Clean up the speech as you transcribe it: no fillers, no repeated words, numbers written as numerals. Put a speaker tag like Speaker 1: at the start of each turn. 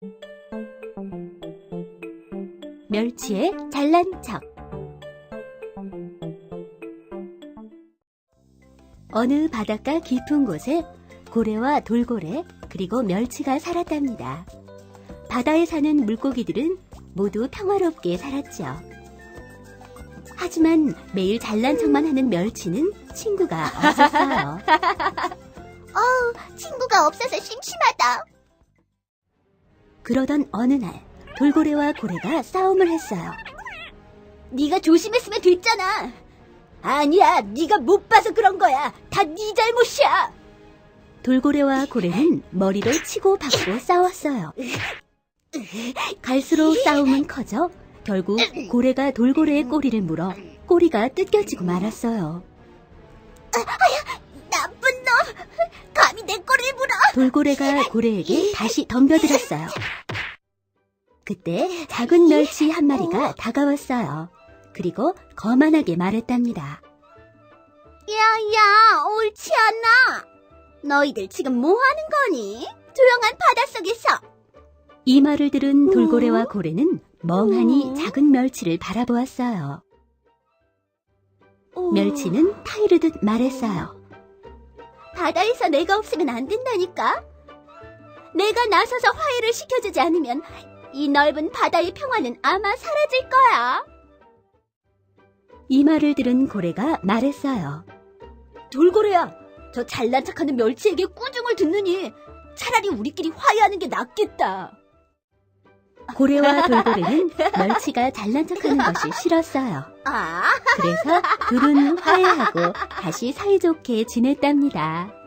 Speaker 1: 멸치의 잘난 척. 어느 바닷가 깊은 곳에 고래와 돌고래 그리고 멸치가 살았답니다. 바다에 사는 물고기들은 모두 평화롭게 살았죠. 하지만 매일 잘난 척만 하는 멸치는 친구가 없었어요.
Speaker 2: 친구가 없어서 심심하다.
Speaker 1: 그러던 어느 날 돌고래와 고래가 싸움을 했어요.
Speaker 2: 네가 조심했으면 됐잖아. 아니야, 네가 못 봐서 그런 거야. 다 네 잘못이야.
Speaker 1: 돌고래와 고래는 머리를 치고 받고 싸웠어요. 갈수록 싸움은 커져 결국 고래가 돌고래의 꼬리를 물어 꼬리가 뜯겨지고 말았어요.
Speaker 2: 나쁜 놈! 감히 내 꼬리를 물어!
Speaker 1: 돌고래가 고래에게 다시 덤벼들었어요. 그때 작은 멸치 한 마리가 다가왔어요. 그리고 거만하게 말했답니다.
Speaker 2: 야, 옳지 않아. 너희들 지금 뭐 하는 거니? 조용한 바닷속에서.
Speaker 1: 이 말을 들은 돌고래와 고래는 멍하니 작은 멸치를 바라보았어요. 멸치는 타이르듯 말했어요.
Speaker 2: 바다에서 내가 없으면 안 된다니까. 내가 나서서 화해를 시켜주지 않으면 이 넓은 바다의 평화는 아마 사라질 거야.
Speaker 1: 이 말을 들은 고래가 말했어요.
Speaker 2: 돌고래야, 저 잘난 척하는 멸치에게 꾸중을 듣느니 차라리 우리끼리 화해하는 게 낫겠다.
Speaker 1: 고래와 돌고래는 멸치가 잘난 척하는 것이 싫었어요. 그래서 둘은 화해하고 다시 사이좋게 지냈답니다.